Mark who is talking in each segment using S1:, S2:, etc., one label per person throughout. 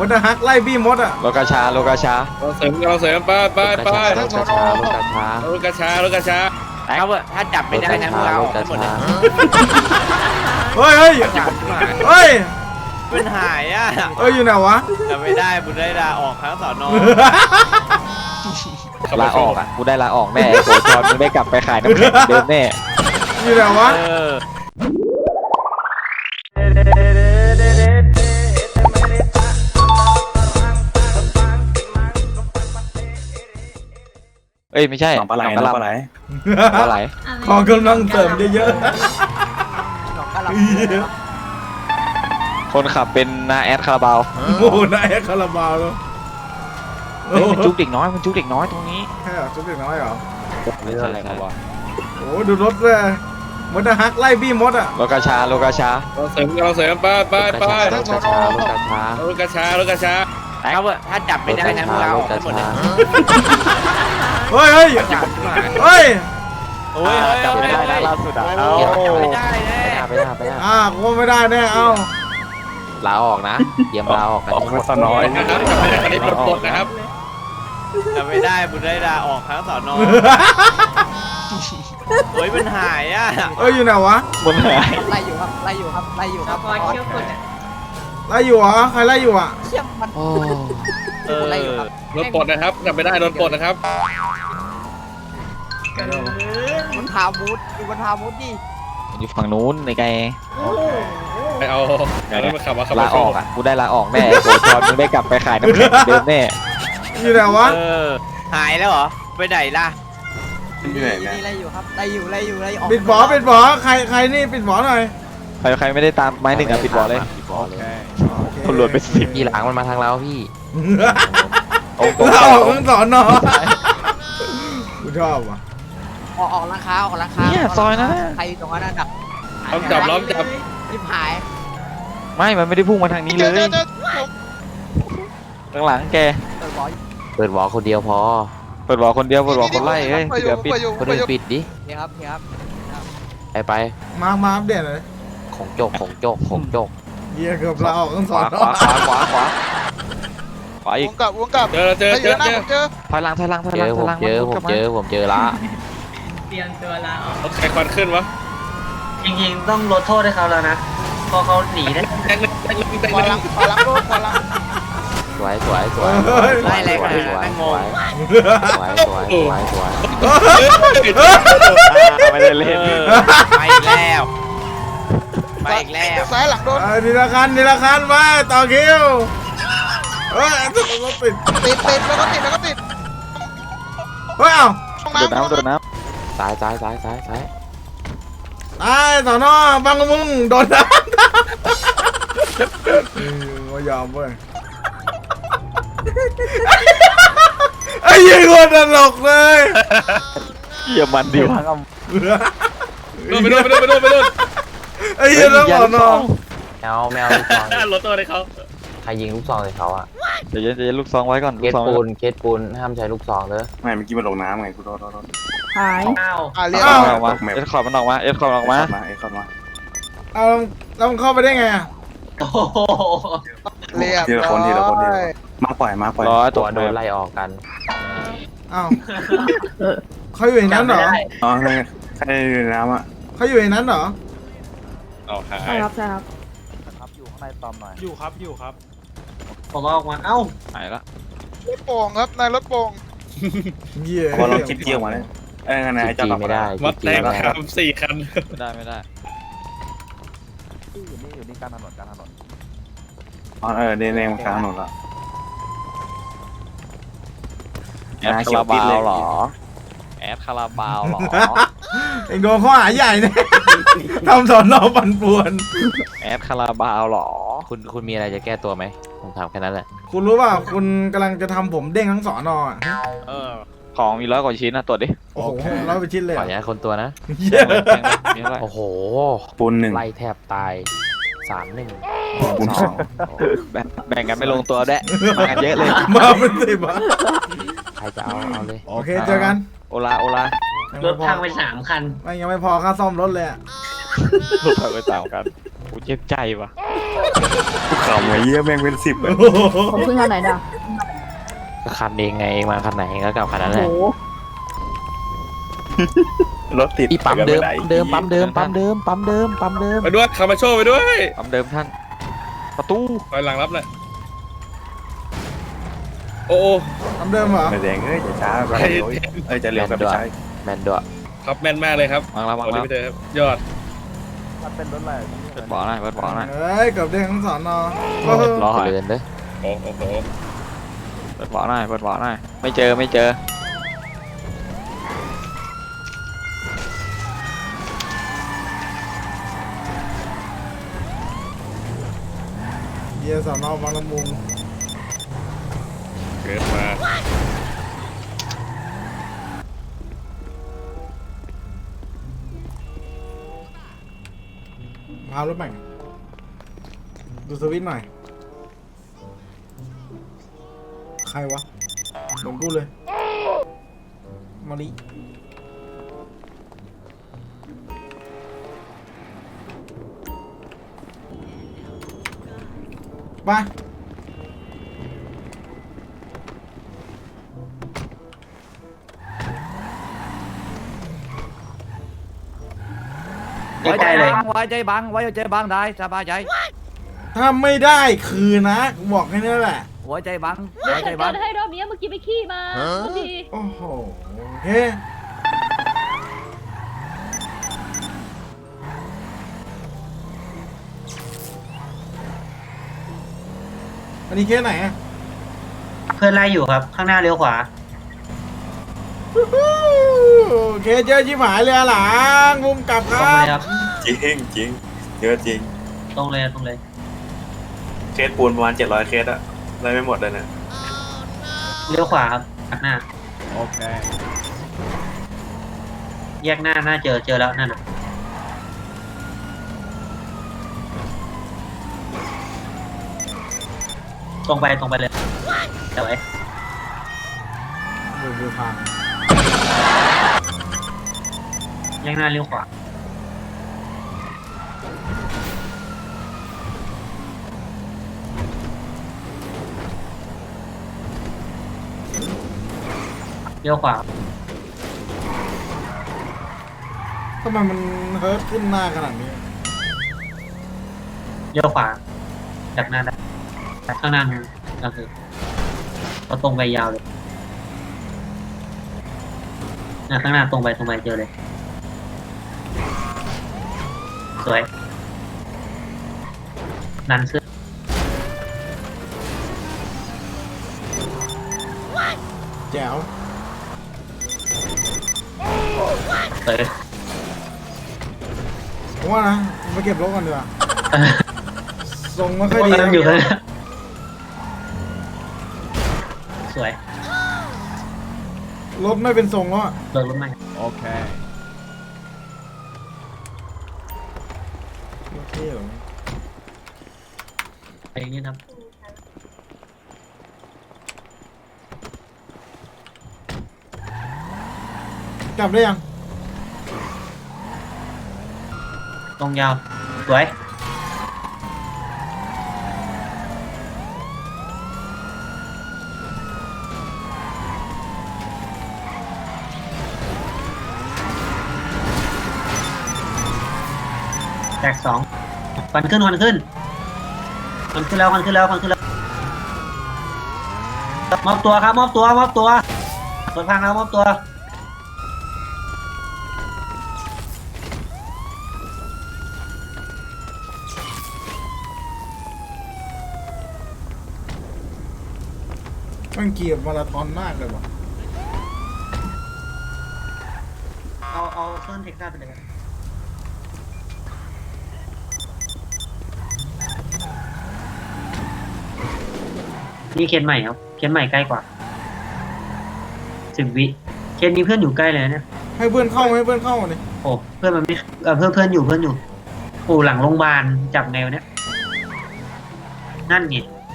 S1: ดอะฮักไล่บี้มดอะ
S2: โลกาชาโลกาชา
S3: เราเสริมไป
S2: โลกาชาโลกาชา
S3: รถกระชา
S4: เขาเถอะถ้าจับไม่ได้นะพวกเราออกทั้งหมดเลย
S1: เฮ้ยเฮ้ย
S4: จับมา
S1: เฮ้ย
S4: มันหายอ่ะ
S1: อยู่ไหนวะ
S4: จับไม่ได้บุญได้ลาออกทั้งสอนอ
S2: ลาออกอ่ะกูได้ลาออกแน่โกรธจอนมึงได้กลับไปขายน้ำแข็งเดิมแน่
S1: อยู่ไหนวะ
S2: เอ้ยไม่ใช่
S5: น้องปลาไหลน้องปลาไหล
S2: ปลาไหล
S1: ของกำลังเสริมเยอะ
S2: คนขับเป็นนาแอดคาราบาว
S1: ๆโอ้โหนายคาราบาวแล้ว
S2: เฮ้ยมันจุกเด็กน้อยมันจุกเด็กน้อยตรงนี้
S1: แค่จุดเด็กน้อยเหรอ
S2: ไม่ใช่ครับว่า
S1: โอ้ดูรถเลยมดอะฮักไล่บี้มดอะ
S2: โลกาชาโลกาชา
S3: เราเสริมไป
S2: โลกาชาโลกาชาร
S3: ถกระชา
S4: เขาเถอะถ้าจับไม่ได้นะพวกเราออกทั้งหมดเลย
S1: เฮ้ยเฮ้ย
S4: จับมา
S1: เฮ้ย
S4: โอ้ย
S2: จับไม่ได้นะล่าสุดอ่ะเอา
S4: ไม่ได้แน่
S2: ไปหน้า
S1: กูไม่ได้แน่เอ้า
S2: ลาออกนะเตรียมลาออกกัน
S5: ออกมาสน้อย
S3: นะครับจับไม่ได้คันนี้ปลดนะครับ
S4: จับไม่ได้บุญได้ลาออกทั้งสอนอเฮ้ยมันหายอ่ะ
S1: อยู่ไหนวะ
S2: บนหาย
S6: ไล่อยู่ครับไล่อยู่ครับไล่อยู่ครับ
S1: ไล่อยู่เหรอใครไล่อยู่อะ
S6: เชี่ยมัน
S2: โอ้
S6: ไล่อยู่ครับ
S3: รถปลดนะครับจับไม่ได้รถปลดนะครับ
S6: มันพามูดอยู่บนพามูดดิ
S2: อยู่ฝั่งนู้นในไกล
S3: ไปเอารถมาขับมาขับ
S2: ลาออกอ่ะกูได้ลาออกแน่โกรธจอนมึงได้กลับไปขายน้ำแข็งเดิมแน่
S1: อยู่ไหนวะ
S4: หายแล้วเหรอไปไหนล่ะ
S5: อยู่ไหนเนี่ย
S6: ไล่อยู่ครับไล่อยู่ไล่อยู่ไล่ออก
S1: ปิดบ่อใครนี่ปิดบ่อหน่อย
S2: ใครไม่ได้ตามไม้หนึ่งอ่ะปิดบ่อเลยตำรวจไปสิบ
S7: พี่หลังมันมาทางเราพี่
S1: เราออกทั้งสอนอกูชอบว่ะ
S6: ออกร้านค้าออกร้านค้า
S2: เนี่ยซอยนะ
S6: ใครตรงนั้นดับ
S3: ล้อมจับ
S6: ยิบหาย
S2: ไม่มันไม่ได้พุ่งมาทางนี้เลยข้างหลังแก
S6: เปิดบ่อ
S7: เปิดวอลคนเดียวพอ
S2: เปิดบ่อคนเดียวเปิดบ่อคนไล่เฮ้ยเดี๋ยวปิด
S7: คนอื่นปิดดิ
S6: เฮียครับเฮียครับ
S7: ไป
S1: มาอัปเดตเลย
S7: ของโจกของโจกของโจก
S1: เฮียเกือบเราออกทั้ง
S2: ข
S1: สอ
S2: วาน
S1: อ
S2: ขวาอีก
S8: วงกลับ
S3: เจอ
S2: ถอยหลัง
S7: เจอผมเจอละ
S9: เตรียมตัวลาออก
S3: รถใครควันขึ้นวะ
S9: จริงๆต้องลดโทษให้เขาแล้วนะเพราะเขาหนีได้
S3: แตงหนึ่ง
S8: ขอลังรถขอลัง
S7: สวย
S4: ไล่แรงขนาดนั้นงง
S2: ไม่ได้เล่น
S4: ไปอีกแล้วไปอีกแล้ว
S8: ซ้ายหลังโดน
S1: ทีละคันมาต่อคิวรถติด
S8: ติดแล้วก็ติด
S1: เฮ้ยเอ้า
S2: โดนน้
S7: ซ้าย
S1: ตายสอนอบังมึงโดนน้ำไม่ยอมเว้ยไอ้ยี่คนตลกเลย
S2: ำเยี่ยมันดีวะ
S3: ไปโดน
S1: ไอ้ยี่ต้องสอนอ
S7: แมวลูกซอง
S3: รถตัวให้เขา
S7: ใครยิงลูกซองใส่เขาอะ
S2: เดี๋ยวลูกซองไว้ก่อน
S7: เคสปูนห้ามใช้ลูกซองเด้อ
S5: ไม่เมื่อกี้มันลงน้ำไงกูโดน
S9: อ้าว
S8: เรียก
S1: อ้าว
S2: ออกมาเอ็ดคอร์ดมันออกมาเอ็ดคอร์ดออกมา
S5: เอ็กซ์เข้ามา
S1: เอาแล้วมึงเข้าไปได้ไงอ่ะ
S9: โอ้โห
S8: เรียก
S5: ทีละคนมาปล่อย
S2: รอตั
S7: ตัว วโดนไล่ออกกัน
S1: อ้าวเขาอยู่ในนั้นเหรอ
S5: อ๋อใครอยู่ในน้ำอ่ะ
S1: เขาอยู่ในนั้นเหรอ
S3: เอาหาย
S9: ใช่ครับใช่ครับ
S2: ครับอยู่ข้างในตอมหน่อย
S3: อยู่ครับ
S9: ผมเอาออกมาเอ้า
S2: หายละ
S8: รถโป่งครับนายรถโป่ง
S1: เยี่ย
S5: พอเราคิดเกี่ยวมาเลยไง
S7: จี
S5: จะหลับ
S7: ไม่ได้
S3: วัด
S7: จี
S3: แรง
S7: ไม่ได้
S3: ครับ4 คัน
S2: ไม่ได้อยู่นี่กลางถนน
S5: อ๋อเดนเองมากลางถนนละ
S2: แอดคาราบาวเหรอแอดคาราบาวเหรอ
S1: เอ็งโดนข้อหาใหญ่เนี่ยทำสอนอปั่นป่วน
S2: แอดคาราบาวเหรอ
S7: คุณมีอะไรจะแก้ตัวไหมผมถามแค่นั้นแหละ
S1: คุณรู้ป่ะคุณกำลังจะทำผมเด้งทั้งสอนอ่ะ
S2: ของมี100 กว่าชิ้นนะตรวจดิ
S1: โอ้โหร้อยไปชิ้นเลย
S7: ขออนุญาตคนตัวนะ
S1: เยี่ย
S2: มีอะไร
S7: โอ้โห
S5: ปูนหนึ่ง
S7: ไล่แทบตาย 3-1
S5: ปูนสอง
S2: แบ่งกันไม่ลงตัวแดะมากันเยอะเลย
S1: มาเป็นสิบอ่ะ
S7: ใครจะเอาเลย
S1: โอเคเจอกัน
S2: โอลาร
S9: ถพังไป3 คัน
S1: ไม่ยังไม่พอค่าซ่อมรถเลยอะ
S2: รถถอยไป3 กันกูเจ็บใจว่ะ
S5: กูขำไอ้เหี้ยแม่งเป็น10เลย
S10: ผมเพิ่งคันไหนเนี่ย
S7: ก็คันเองไงเองมาคันไหนก็กลับคันนั้นแหละ
S5: รถติด
S7: อีปั๊มเดิม
S5: ไป
S7: เดิมปั๊มเดิมปั๊มเดิมปั๊มเดิมปั๊มเดิม
S3: ไปด้วยคามาโชไปด้วย
S2: ปั๊มเดิมท่าน ประตู
S3: คอยหลังรับหน่อยโอ้โอ้
S1: ทำเดิมเหรอ
S5: ไม่แดงเอ้ยจะช้าไปเร็วเอ้ยจะเร็วกับไม่ใช่
S7: แมนด้วย
S3: ครับแม่นมากเลยครับ
S2: วางแล้ววาง
S3: ขอ
S2: แล้ว
S3: รีบไปเถอะครับยอด
S2: เปิดบ่อหน่อยเปิดบ่อหน่อย
S1: เฮ้ยเกับเด้งทั้งสอนอ
S2: รอ
S7: เดินเด้อ
S3: โอ้โห
S2: เปิดบ่อหน่อยเปิดบ่อหน่อยไม่เจอไม่เจอ
S1: เยียสอนอบางละมุง
S3: เกิดมา
S1: พารถแม่งดูสวิตช์หน่อย ใครวะเหมือนกูเลยมาลิไป
S9: ใกล้ๆเลย
S6: ไว้ใจบังไว้ใจบังได้สบายใจ
S1: ถ้าไม่ได้คือนะกูบอกแค่นี้แหละ
S6: ไว้ใจบัง
S10: เดี๋ยว
S6: ไว้ใจ
S10: จัด
S6: บั
S10: กาง รให้รอบนี้เมื่อกี้ไปขี้มาพอดี
S1: โอ้โหโอเคอันนี้เคสไหนอะ
S9: เพื่อนไล่อยู่ครับ ข้างหน้าเลี้ยวขวา
S1: เคสเยอะชิบหายเลยอะหลังมุมกลับค
S9: ตรง
S1: รั
S9: เลย
S1: บ
S9: ครับ
S5: จริงจริงเยอะจริง
S9: ตรงเลยตรงเลย
S5: เคสปูนประมาณ700เคสอะได้ไม่หมดเลยนะ
S9: เลี้ยวขวาครับตัดหน้า
S6: โอเค
S9: แยกหน้าเจอแล้วนั่นน่ะตรงไปเลยเดี๋ยวไว้
S1: ดูทาง
S9: แยกหน้าเลี้ยวขวาเลี้ยวขวา
S1: ทำไมมันเฮิร์ตขึ้นหน้าขนาดนี้
S9: เลี้ยวขวาจากหน้าได้ข้างหน้านู้นก็คือเราตรงไปยาวเลยข้างหน้าตรงไปเจอเลยสวยนันเสื้อ
S1: แจ๋ว
S9: สวย
S1: ผมว่านะไปเก็บรถก่อนดีกว่าทรงไม่ค่อยดี
S9: นั่นอยู่ข้างหน้าสวย
S1: รถไม่เป็นทรงแล้วอะ
S9: เลิกรถใหม่
S6: โอเค
S1: โอเคเหรอ
S9: ไปอย่างนี้ครับ
S1: กลับได้ยัง
S9: ตรงยาวสวยแตกฟันขึ้นแล้วมอบตัวครับมอบตัวรถพังแล้วมอบตัว
S1: มันเกียบมาราธอนมากเลยว่ะ
S9: เอาเครื่องเทคซัสไปเลยครับนี่เคนใหม่ครับเคนใหม่ใกล้กว่า10 วิเคนมีเพื่อนอยู่ใกล้เลยนะเนี่ย
S1: ให้เพื่อนเข้าเลย
S9: โอ้เพื่อนมันไม่เพื่อนอยู่โอ้หลังโรงพยาบาลจับไงวะเนี่ยนั่นไง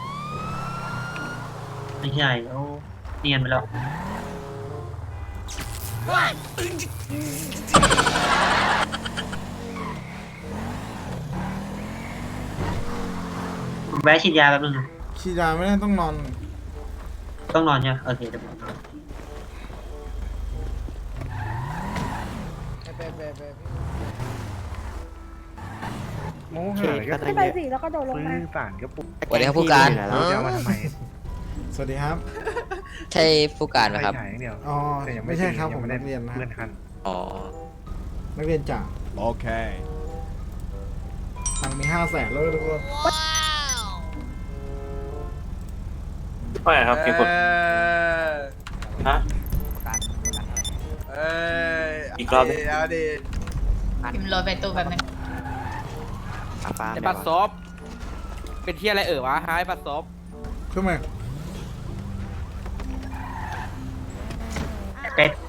S9: ไม่ใช่โอ้เนียนไปแล้วแวะฉีดยาแป๊บนึง
S1: ฉีดยาไม่ได้ต้องนอน
S9: ต้องนอนใช่ไหมโอเคเดี๋ยวผม
S6: โมหะก็
S10: ขึ้นไปสิแล้วก็โดดลงมา
S6: สารก็ปุ๊บ
S4: สวัสดีครับผู้การ
S6: จะเอามาทำไม
S1: สวัสดีครับ
S4: ใช่ผู้การไหมครับ
S6: ถ่ายอย่างเดียว
S1: อ๋อ
S6: แต่ยัง
S1: ไม่ใช่ครับ
S6: ยั
S1: ผ
S6: ง
S1: ม
S6: ไม่
S1: นั
S6: ได้
S1: กเรียนนะ
S6: เลื่อนขั้น
S4: อ๋อ
S1: นักเรียนจ่า
S2: โอเค
S1: ตังค์มี500,000แล้วทุกคน
S5: ไม่ครับพี่กดฮะอีกรอบนึง
S10: พิมพ์โรยไปตู้แบบนึง
S4: ไอ้บัตรซบเป็นที่อะไรวะหายบัตรซบ
S1: ขึ้นมา
S9: เป็ด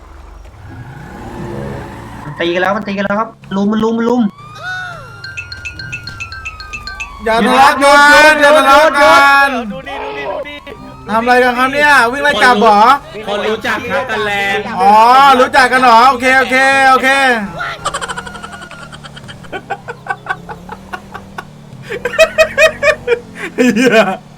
S9: มันตีกันแล้วครับลุม
S1: อย่าทะเลาะกันอย่าทะเลาะกัน
S4: ดูดิ
S1: ทำอะไรกันครับเนี่ยวิ่งไล่จับเหรอ
S3: คนรู้จักครับกันแลน
S1: อ๋อรู้จักกันเหรอโอเคโอเคเฮีย